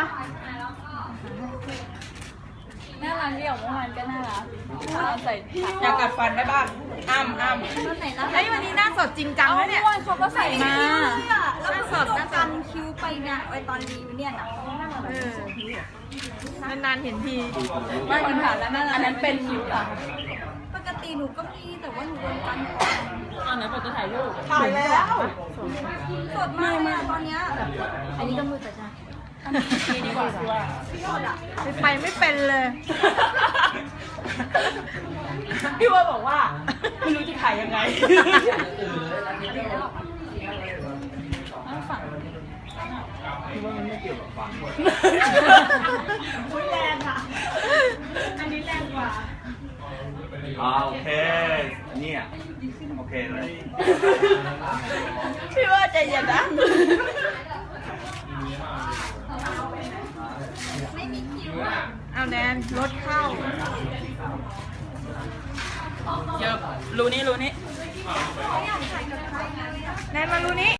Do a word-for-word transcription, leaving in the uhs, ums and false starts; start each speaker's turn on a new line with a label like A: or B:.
A: มา
B: น่ารักเดี่ยวเมื่อวานก็น่ารักเอาใส่
C: อยากกัดฟันได้บ้างอ้ำอ้ำ
B: ต้นไหนน่ารัก
A: ไอ้ยวันนี้หน้าสดจริงจังเลยเนี่ย
B: เมื่อวานเขาก็ใส่มา
A: หน้าสดหน้าสด
B: คิ้วไปเนี่ยไอตอนรีวิวเนี่ยนะ
A: เออนานๆเห็นที
B: ไม่คนถามแล้วนั่นอันนั้นเป็นคิ้วเหรอ
D: ปกติหนูก็มีแต่ว่าหนูโดนกัน
B: อันนั้นผมจะถ่ายรูป
C: ถ่ายแล้ว
D: สดมากเลยอะตอนเนี้ย
B: อันนี้ก็มือแต่จ้าดีดีกว่าคือว่า
A: ไปไม่เป็นเลย
C: พี่ว่าบอกว่าไม่รู้จะถ่ายยังไง
B: ฝั่ง
C: อุ้ยแรงอ่ะ อันนี้แรงกว่า
E: อ่าโอเค เนี่ย โอเคเลย
C: พี่ว่าใจเย็นนะ
A: เอาแนนรถเข้า
C: เยอะรู้นี่รู้นี่
A: แนนมารู้นี้